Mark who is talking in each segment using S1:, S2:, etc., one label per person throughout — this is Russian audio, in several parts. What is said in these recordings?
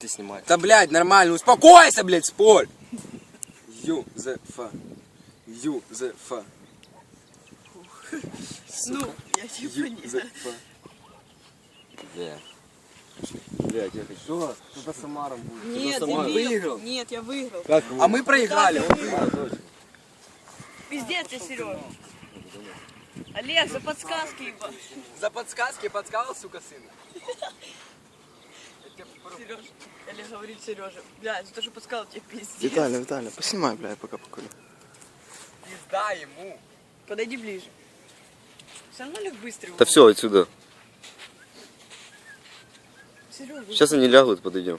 S1: Ты снимаешь.
S2: Да, блядь, нормально, успокойся, блядь, спорь. Юзефа. Юзефа.
S3: Ну, я типа не...
S2: Юзефа.
S1: Да.
S2: Блядь, я хочу. Что? Кто-то с Амаром будет.
S3: Нет,
S2: Кто-то
S3: дебил.
S2: выиграл.
S3: Нет, я выиграл.
S2: Как? А мы проиграли. Он выиграл.
S3: Пиздец ты, Серега. Олег, за подсказки ебать.
S2: За подсказки подсказал, сука, сына.
S3: Сережа. Олег говорит Сережа. Блядь, за то, что подсказал тебе пиздец.
S4: Виталя, поснимай, бля, я пока покурю.
S2: Пизда ему.
S3: Подойди ближе. Все равно Олег быстрый.
S1: Да все, отсюда.
S3: Сережа.
S1: Сейчас они лягут, подойдем.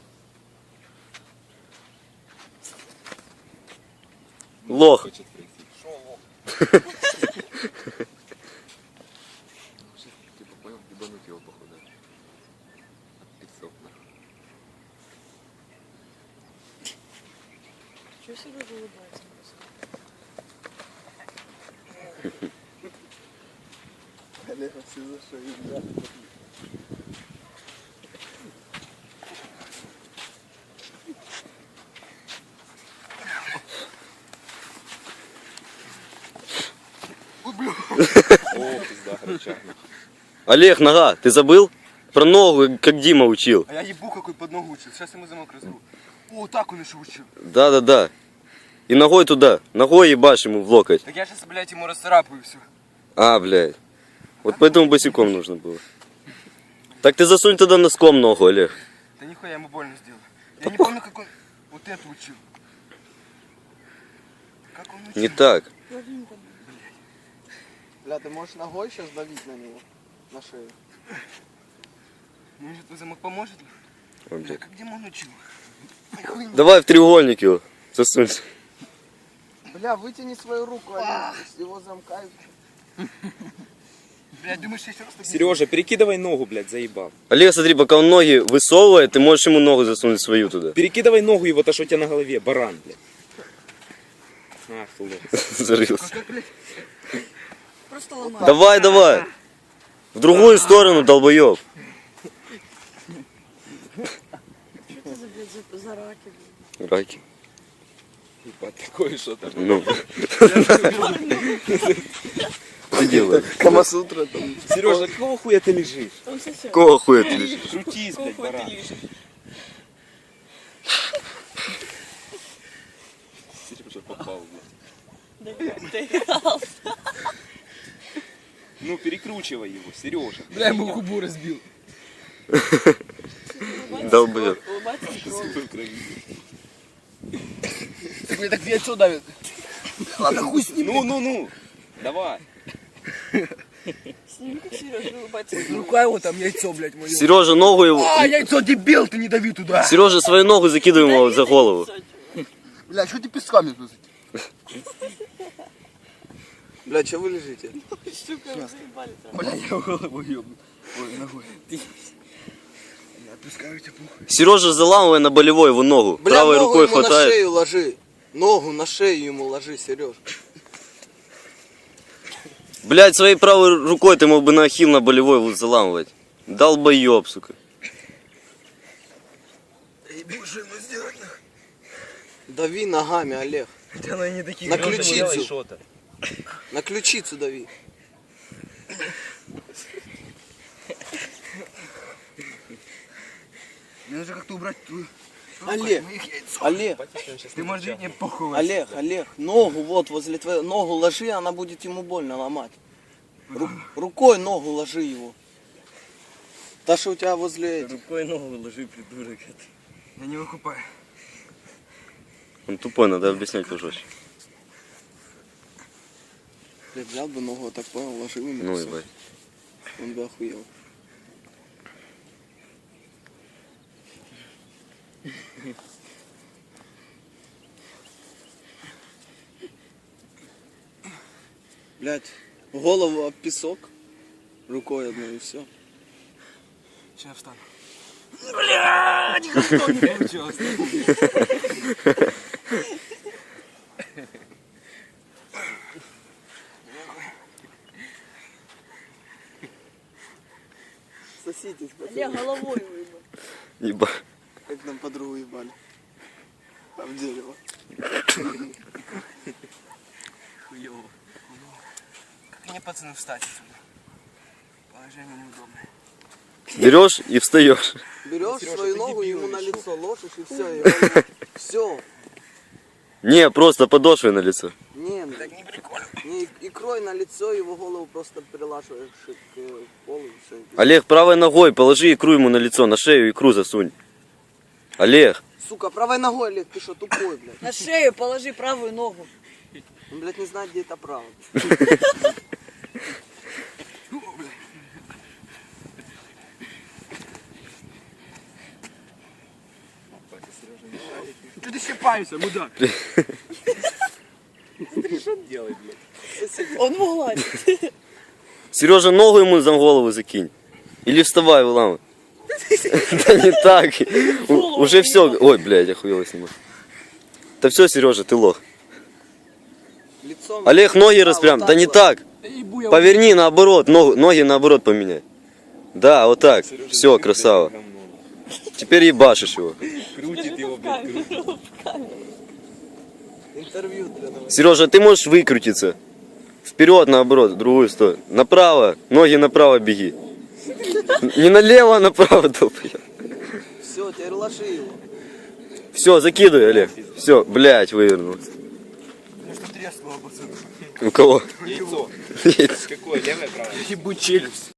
S1: Лох.
S2: Шо, лох?
S1: Типа понял, ебануть его походу.
S3: Чего Сережа улыбается?
S4: Олег, все за шею, бля.
S1: Олег, нога, ты забыл? Про ногу, как Дима учил.
S2: А я ебу какой под ногу учил. Сейчас ему замок разру. О, так он еще учил.
S1: Да. И ногой туда. Ногой ебашь ему в локоть.
S2: Так я сейчас, блядь, ему расцарапаю все.
S1: А, блядь. Вот поэтому босиком нужно было. Так ты засунь туда носком ногу, Олег.
S2: Да нихуя, я ему больно сделал. Я не помню, как он вот это учил. Как он учил?
S1: Не так.
S4: Бля, ты можешь ногой сейчас давить на него? На шею.
S2: Может, твой замок поможет?
S1: Ой,
S2: Бля,
S1: блядь.
S2: как Димон учил? Нихуя не-
S1: Давай в треугольник его засунь.
S4: Бля, вытяни свою руку, Олег, с его замка.
S2: Блядь, думаешь, я еще раз так...
S5: Сережа, перекидывай ногу, блядь, заебал.
S1: Олег, смотри, пока он ноги высовывает, ты можешь ему ногу засунуть свою туда.
S5: Перекидывай ногу его, то, что у тебя на голове, баран, блядь. Ах, ты лох.
S1: Зарылся.
S3: Просто ломай.
S1: Давай. В другую сторону, долбоеб.
S3: Что ты за, блядь, за раки, блядь?
S1: Раки.
S5: Ебать, такое что-то.
S1: Ну. Что делаешь?
S4: Камасутра там.
S5: Сережа, какого хуя ты лежишь?
S3: Он сосет.
S1: Какого хуя ты лежишь?
S5: Крутись, блядь,
S3: Какой ты
S5: баран.
S3: лишь.
S5: Сережа попал, блядь.
S3: Доигрался.
S5: Ну, перекручивай его, Сережа.
S2: Бля, ему губу разбил.
S1: Долбоеб.
S3: Улыбаться в кровь.
S2: Так мне так яйцо давит. Ладно, хуй с ним.
S5: Ну. Давай.
S3: Сними, как Сережа улыбается в кровь.
S2: Рука его там, яйцо, блядь, мое.
S1: Сережа, ногу его.
S2: А, яйцо, дебил, ты не дави туда.
S1: Сережа, свою ногу закидывай ему за голову.
S2: Бля, что ты песками тут?
S4: Бля, че вы лежите?
S3: Сука, вы заебали там.
S2: Бля, я голову ебну. Ой, ногой. Я пускаю тебя похуй.
S1: Сережа, заламывай на болевой его ногу.
S4: Бля,
S1: Правой
S4: ногу
S1: рукой
S4: ему на
S1: хватает.
S4: шею ложи. Ногу на шею ему ложи, Сереж.
S1: Блять, своей правой рукой ты мог бы на ахилл на болевой вот заламывать. Долбоеб, сука.
S2: Ебу, что ему сделать?
S4: Дави ногами, Олег.
S2: Хотя она и не такие
S4: На
S2: грозные.
S4: ключицу.
S5: что-то.
S4: На ключицу дави.
S2: Мне нужно как-то убрать твою...
S4: Олег,
S2: моих яйцо.
S4: Олег,
S2: Ты можешь видеть, мне похуй.
S4: Олег, ногу вот возле твоей, ногу ложи, она будет ему больно ломать. Рукой ногу ложи его. Та, что у тебя возле этих.
S1: Рукой ногу ложи, придурок.
S2: Я не выкупаю.
S1: Он тупой, надо объяснять пожестче.
S4: Я взял бы ногу, вот так понял, ложил ему.
S1: Ну
S4: всё.
S1: ебать.
S4: Он бы охуел. Блять, голову об песок. Рукой одной и все.
S2: Сейчас я встану. Блядь, никто не получилось.
S4: Соситесь, пацаны.
S3: Олег головой выебал.
S1: Ебать.
S4: Как нам
S2: подругу ебали. А в дерево. Хуёво. Как мне, пацаны, встать отсюда? Положение неудобное.
S1: Берешь и встаешь.
S4: Берешь
S5: Сережа,
S4: свою
S5: ты
S4: ногу,
S5: дебил
S4: ему на
S5: или
S4: лицо ложишь и все. Все.
S1: Не, просто подошвой на лицо.
S4: Не,
S2: Так не прикольно.
S4: не икрой на лицо, его голову просто прилаживаешь к полу и все.
S1: Олег, правой ногой положи икру ему на лицо, на шею икру засунь. Олег,
S4: Сука, правой ногой, Олег, ты что, тупой, блядь?
S3: На шею положи правую ногу.
S4: Он, блядь, не знает, где это правда.
S2: Что ты щипаешься, мудак?
S5: Что делать, блядь?
S3: Он его гладит.
S1: Сережа, ногу ему за голову закинь. Или вставай, выламывай. Да не так. Уже все. Ой, блядь, охуело сниму. Да все, Сережа, ты лох.
S4: Лицом.
S1: Олег, ноги
S4: А,
S1: распрям.
S4: вот
S1: Да не
S4: вот.
S1: так.
S2: Да ебу я.
S1: Поверни наоборот, ноги наоборот поменяй. Да, вот так. Все, красава. Теперь ебашишь его.
S5: Крутит его, блядь, крутит.
S4: Интервью для новостей.
S1: Сережа, ты можешь выкрутиться. Вперед, наоборот, в другую сторону. Направо, ноги направо беги. Не налево, а направо, долбоёб.
S4: Все, теперь ложи его.
S1: Все, закидывай, Олег. Все, блядь, вывернулся.
S2: Что треснуло, пацаны?
S1: У кого?
S5: Яйцо. Какое, левое, правое?
S2: Ебу челюсть.